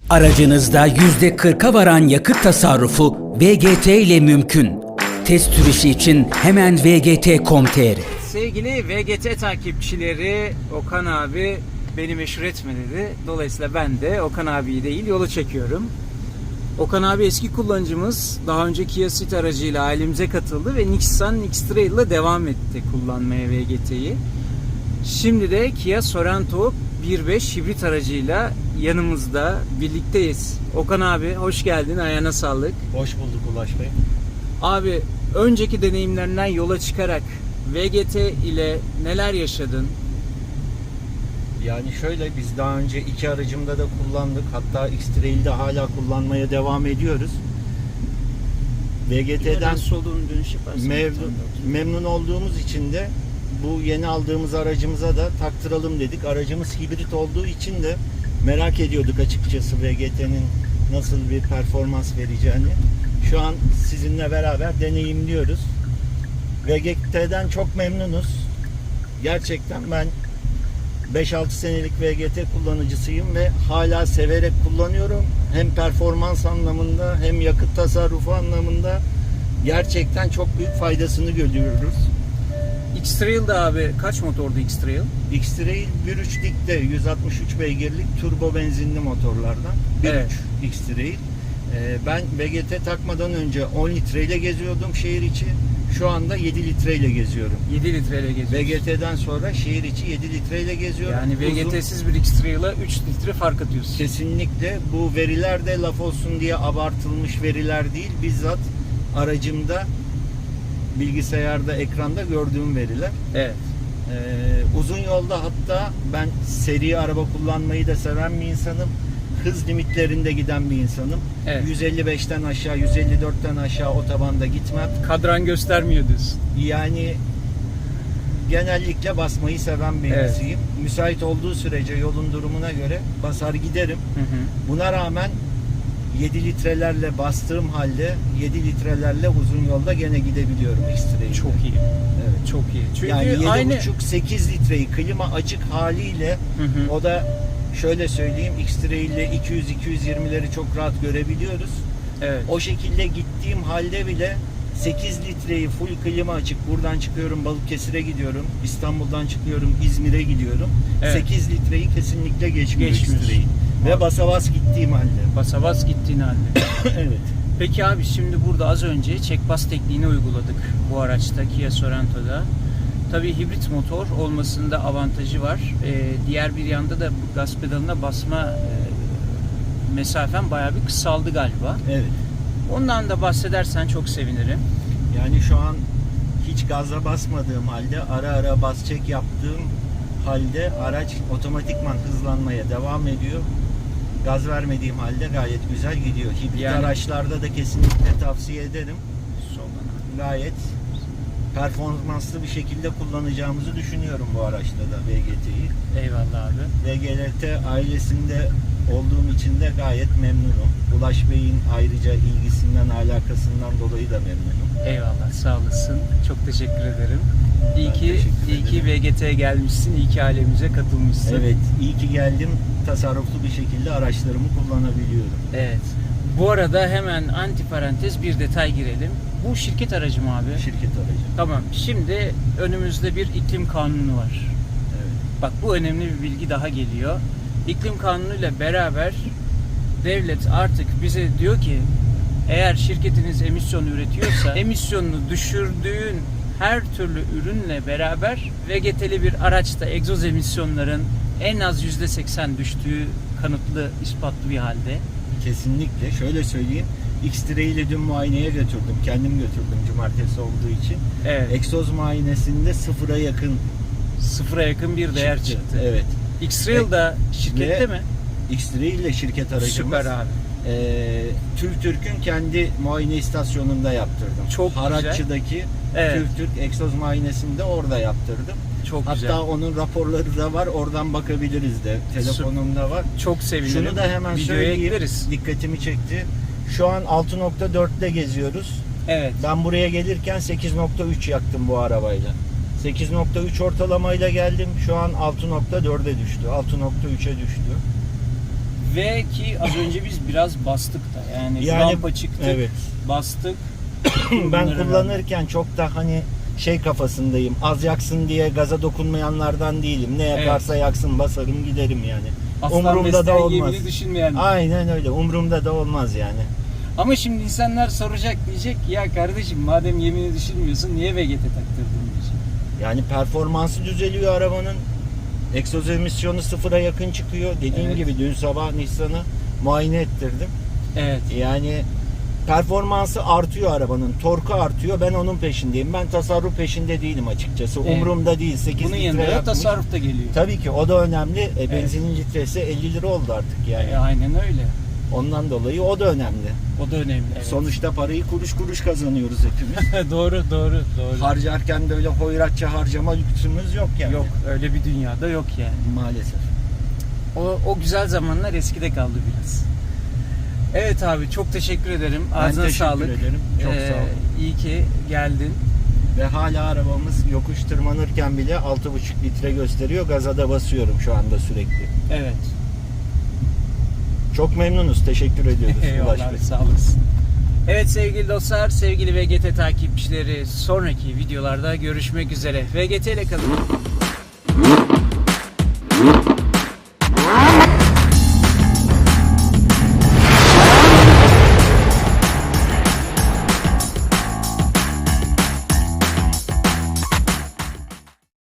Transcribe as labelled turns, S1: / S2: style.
S1: Aracınızda %40'a varan yakıt tasarrufu VGT ile mümkün. Test sürüşü için hemen vgt.com.tr.
S2: Sevgili VGT takipçileri, Okan abi beni meşhur etme dedi. Dolayısıyla ben de Okan abiyi değil yola çekiyorum. Okan abi eski kullanıcımız. Daha önce Kia Ceed aracıyla ailemize katıldı ve Nissan X-Trail ile devam etti kullanmaya VGT'yi. Şimdi de Kia Sorento 1.5 hibrit aracıyla yanımızda, birlikteyiz. Okan abi hoş geldin, ayağına sağlık.
S3: Hoş bulduk Ulaş Bey.
S2: Abi önceki deneyimlerinden yola çıkarak VGT ile neler yaşadın?
S3: Yani şöyle, biz daha önce iki aracımda da kullandık. Hatta X-Trail'de hala kullanmaya devam ediyoruz. VGT'den
S2: solun dönüş yaparsın.
S3: memnun olduğumuz için de bu yeni aldığımız aracımıza da taktıralım dedik. Aracımız hibrit olduğu için de merak ediyorduk açıkçası VGT'nin nasıl bir performans vereceğini. Şu an sizinle beraber deneyimliyoruz. VGT'den çok memnunuz. Gerçekten ben 5-6 senelik VGT kullanıcısıyım ve hala severek kullanıyorum. Hem performans anlamında hem yakıt tasarrufu anlamında gerçekten çok büyük faydasını görüyoruz.
S2: X-Trail'de abi kaç motordu X-Trail?
S3: X-Trail 1.3 dikte 163 beygirlik turbo benzinli motorlardan. 1.3
S2: Evet.
S3: X-Trail. Ben VGT takmadan önce 10 litreyle geziyordum şehir içi. Şu anda 7 litreyle geziyorum.
S2: 7 litreyle geziyorsun.
S3: VGT'den sonra şehir içi 7 litreyle geziyorum.
S2: Yani VGT'siz bir X-Trail'a 3 litre fark atıyorsun.
S3: Kesinlikle bu veriler de laf olsun diye abartılmış veriler değil. Bizzat aracımda, bilgisayarda, ekranda gördüğüm veriler.
S2: Evet.
S3: Uzun yolda hatta ben seri araba kullanmayı da seven bir insanım. Hız limitlerinde giden bir insanım.
S2: Evet.
S3: 155'ten aşağı, 154'ten aşağı otobanda gitmem.
S2: Kadran göstermiyor diyorsun.
S3: Yani genellikle basmayı seven birisiyim. Müsait olduğu sürece yolun durumuna göre basar giderim.
S2: Hı hı.
S3: Buna rağmen 7 litrelerle bastığım halde 7 litrelerle uzun yolda gene gidebiliyorum X-Trail'de.
S2: Çok iyi.
S3: Evet.
S2: Çok iyi. Çünkü
S3: Yani 7,5
S2: aynı
S3: 8 litreyi klima açık haliyle
S2: Hı hı.
S3: o da şöyle söyleyeyim, X-Trail'le 200-220'leri çok rahat görebiliyoruz.
S2: Evet.
S3: O şekilde gittiğim halde bile 8 litreyi full klima açık, buradan çıkıyorum Balıkesir'e gidiyorum, İstanbul'dan çıkıyorum İzmir'e gidiyorum.
S2: Evet.
S3: 8 litreyi kesinlikle geçmiyor
S2: Geçmiyor.
S3: X-Trail. Ve basa bas gittiğim halde.
S2: basa bas gittiğin halde.
S3: Evet.
S2: Peki abi şimdi burada az önce check bas tekniğini uyguladık bu araçta Kia Sorento'da. Tabii hibrit motor olmasında avantajı var. Diğer bir yanda da gaz pedalına basma mesafen bayağı bir kısaldı galiba.
S3: Evet.
S2: Ondan da bahsedersen çok sevinirim.
S3: Yani şu an hiç gaza basmadığım halde, ara ara bas çek yaptığım halde araç otomatikman hızlanmaya devam ediyor. Gaz vermediğim halde gayet güzel gidiyor. Hibrit
S2: Yani-
S3: araçlarda da kesinlikle tavsiye ederim. Gayet performanslı bir şekilde kullanacağımızı düşünüyorum bu araçta da VGT'yi.
S2: Eyvallah abi.
S3: VGT ailesinde olduğum için de gayet memnunum. Ulaş Bey'in ayrıca ilgisinden, alakasından dolayı da memnunum.
S2: Eyvallah, sağ olasın. Çok teşekkür ederim. İyi
S3: Ben
S2: ki
S3: teşekkür ederim.
S2: VGT'ye gelmişsin, iyi ki ailemize katılmışsın.
S3: Evet, iyi ki geldim. Tasarruflu bir şekilde araçlarımı kullanabiliyorum.
S2: Evet. Bu arada hemen antiparantez bir detay girelim. Bu şirket aracı mı abi?
S3: Şirket aracı.
S2: Tamam. Şimdi önümüzde bir iklim kanunu var.
S3: Evet.
S2: Bak bu önemli bir bilgi daha geliyor. İklim kanunuyla beraber devlet artık bize diyor ki eğer şirketiniz emisyon üretiyorsa emisyonunu düşürdüğün her türlü ürünle beraber VGT'li bir araçta egzoz emisyonların en az %80 düştüğü kanıtlı, ispatlı bir halde.
S3: Kesinlikle. Şöyle söyleyeyim. X-Trail'i dün muayeneye götürdüm. Kendim götürdüm cumartesi olduğu için.
S2: Evet.
S3: Egzoz muayenesinde sıfıra yakın
S2: Sıfıra yakın bir değer çıktı.
S3: Evet.
S2: X-Trail da şirkette
S3: Ve
S2: mi?
S3: X-Trail ile şirket aracımız.
S2: Süper abi.
S3: Türk'ün kendi muayene istasyonunda yaptırdım.
S2: Çok güzel.
S3: Harakçı'daki
S2: Evet.
S3: Türk egzoz muayenesini de orada yaptırdım.
S2: Çok
S3: Hatta
S2: güzel.
S3: onun raporları da var. Oradan bakabiliriz de. Telefonumda var.
S2: Çok sevinirim.
S3: Şunu da hemen
S2: Videoya
S3: söyleyeyim.
S2: ekleriz.
S3: Dikkatimi çekti. Şu an 6.4'te geziyoruz.
S2: Evet.
S3: Ben buraya gelirken 8.3 yaktım bu arabayla. 8.3 ortalamayla geldim. Şu an 6.4'e düştü. 6.3'e düştü.
S2: Ve ki az önce biz biraz bastık da yani rampa çıktık,
S3: evet.
S2: bastık.
S3: Ben
S2: Bunlara
S3: kullanırken çok da hani şey kafasındayım. Az yaksın diye gaza dokunmayanlardan değilim. Ne yakarsa yaksın, basarım giderim yani.
S2: Aslan
S3: Umurumda da
S2: besleyen
S3: olmaz.
S2: yemini düşünmeyen.
S3: Aynen öyle. Umurumda da olmaz yani.
S2: Ama şimdi insanlar soracak, diyecek ya kardeşim madem yemini düşünmüyorsun niye VGT taktırdın diyecek.
S3: Yani performansı düzeliyor arabanın. Egzoz emisyonu sıfıra yakın çıkıyor. Dediğim
S2: Evet.
S3: gibi dün sabah Nissan'ı muayene ettirdim.
S2: Evet.
S3: Yani performansı artıyor arabanın. Torku artıyor. Ben onun peşindeyim. Ben tasarruf peşinde değilim açıkçası.
S2: Evet.
S3: Umurumda değil. 8
S2: Bunun
S3: litre
S2: yanında da
S3: yakmış.
S2: tasarruf da geliyor.
S3: Tabii ki o da önemli. Benzinin litresi 50 lira oldu artık yani.
S2: Aynen öyle.
S3: Ondan dolayı o da önemli.
S2: O da önemli. Evet.
S3: Sonuçta parayı kuruş kuruş kazanıyoruz hepimiz.
S2: doğru.
S3: Harcarken böyle hoyratça harcama lüksümüz yok yani.
S2: Yok öyle bir dünyada yok yani.
S3: Maalesef.
S2: O güzel zamanlar eskide kaldı biraz. Evet abi çok teşekkür ederim.
S3: Ben
S2: Ağzına
S3: teşekkür
S2: sağlık.
S3: ederim. Çok sağ ol.
S2: İyi ki geldin.
S3: Ve hala arabamız yokuş tırmanırken bile 6,5 litre gösteriyor. Gaza da basıyorum şu anda sürekli.
S2: Evet.
S3: Çok memnunuz. Teşekkür ediyoruz. Ulaş
S2: Eyvallah
S3: Bey.
S2: sağ olasın. Evet sevgili dostlar, sevgili VGT takipçileri sonraki videolarda görüşmek üzere. VGT ile kalın.